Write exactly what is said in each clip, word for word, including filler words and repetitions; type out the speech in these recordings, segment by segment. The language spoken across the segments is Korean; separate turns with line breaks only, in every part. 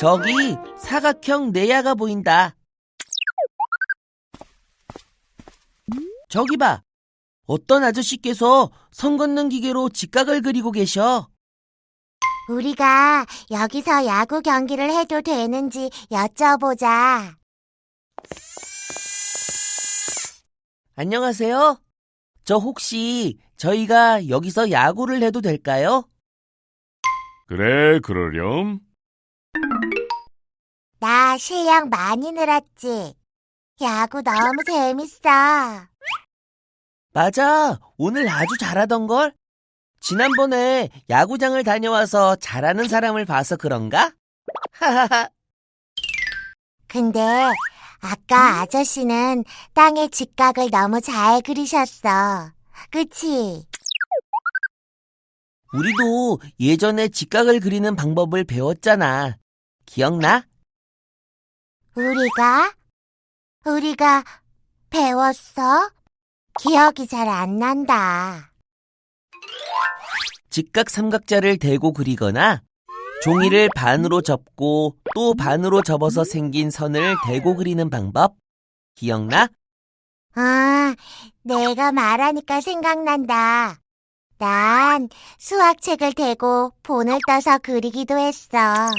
저기 사각형 내야가 보인다. 저기 봐. 어떤 아저씨께서 선 긋는 기계로 직각을 그리고 계셔.
우리가 여기서 야구 경기를 해도 되는지 여쭤보자.
안녕하세요. 저 혹시 저희가 여기서 야구를 해도 될까요?
그래, 그러렴.
나 실력 많이 늘었지. 야구 너무 재밌어.
맞아. 오늘 아주 잘하던걸? 지난번에 야구장을 다녀와서 잘하는 사람을 봐서 그런가? 하하하.
근데 아까 아저씨는 땅에 직각을 너무 잘 그리셨어. 그치?
우리도 예전에 직각을 그리는 방법을 배웠잖아. 기억나?
우리가? 우리가 배웠어? 기억이 잘 안 난다.
직각 삼각자를 대고 그리거나 종이를 반으로 접고 또 반으로 접어서 생긴 선을 대고 그리는 방법 기억나?
아, 내가 말하니까 생각난다. 난 수학책을 대고 본을 떠서 그리기도 했어.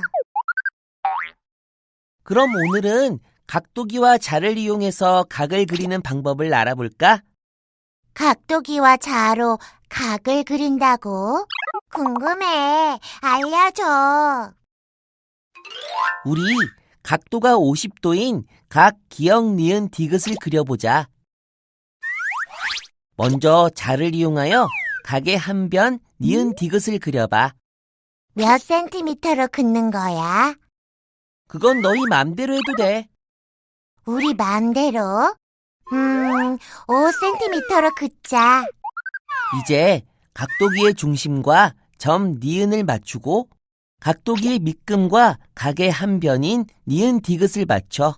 그럼 오늘은 각도기와 자를 이용해서 각을 그리는 방법을 알아볼까?
각도기와 자로 각을 그린다고? 궁금해. 알려줘.
우리 각도가 오십 도인 각 기역, 니은, 디귿을 그려보자. 먼저 자를 이용하여 각의 한 변, 니은, 디귿을 그려봐.
몇 센티미터로 긋는 거야?
그건 너희 맘대로 해도 돼.
우리 맘대로? 음, 오 센티미터로 긋자.
이제 각도기의 중심과 점 니은을 맞추고 각도기의 밑금과 각의 한 변인 니은 디귿을 맞춰.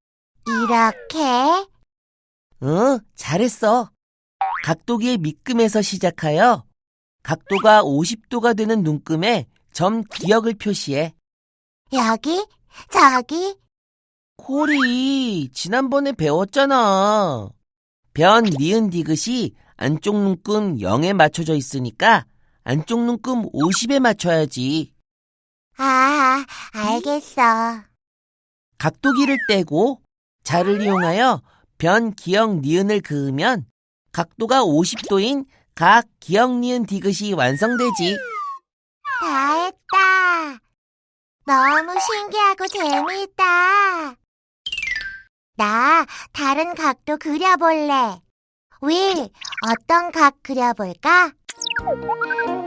이렇게?
응, 잘했어. 각도기의 밑금에서 시작하여 각도가 오십 도가 되는 눈금에 점 기역을 표시해.
여기? 저기?
코리, 지난번에 배웠잖아. 변, 니은, 디귿이 안쪽 눈금 영에 맞춰져 있으니까 안쪽 눈금 오십에 맞춰야지.
아, 알겠어.
각도기를 떼고 자를 이용하여 변, 기역, 니은을 그으면 각도가 오십 도인 각, 기역, 니은, 디귿이 완성되지.
다 했다. 너무 신기하고 재미있다. 나 다른 각도 그려볼래. 윌, 어떤 각 그려볼까?